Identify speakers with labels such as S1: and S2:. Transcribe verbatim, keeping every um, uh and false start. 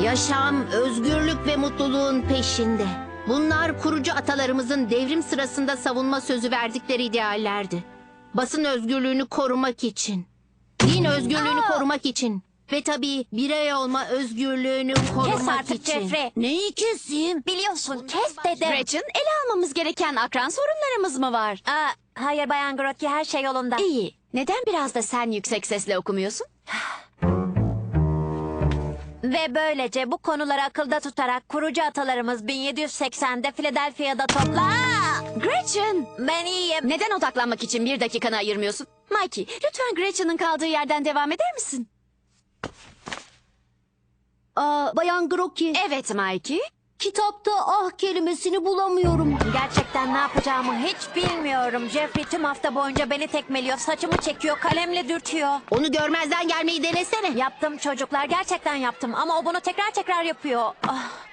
S1: Yaşam, özgürlük ve mutluluğun peşinde. Bunlar kurucu atalarımızın devrim sırasında savunma sözü verdikleri ideallerdi. Basın özgürlüğünü korumak için, din özgürlüğünü
S2: Aa!
S1: korumak için ve tabii birey olma özgürlüğünü korumak
S2: Kes artık
S1: için.
S2: Jeffrey.
S3: Neyi keseyim?
S2: Biliyorsun kes dedim.
S4: Gretchen, ele almamız gereken akran sorunlarımız mı var?
S2: Aa, hayır Bayan Grotke, her şey yolunda.
S4: İyi. Neden biraz da sen yüksek sesle okumuyorsun?
S2: Ve böylece bu konuları akılda tutarak kurucu atalarımız bin yedi yüz seksende Philadelphia'da topla... Aa!
S4: Gretchen!
S2: Ben iyiyim.
S4: Neden odaklanmak için bir dakikanı ayırmıyorsun? Mikey, lütfen Gretchen'ın kaldığı yerden devam eder misin?
S3: Aa, Bayan Grotke,
S4: Evet Mikey.
S3: kitapta ah kelimesini bulamıyorum.
S2: Gerçekten ne yapacağımı hiç bilmiyorum. Jeffrey tüm hafta boyunca beni tekmeliyor, saçımı çekiyor, kalemle dürtüyor.
S1: Onu görmezden gelmeyi denesene.
S2: Yaptım çocuklar, gerçekten yaptım ama o bunu tekrar tekrar yapıyor. Ah.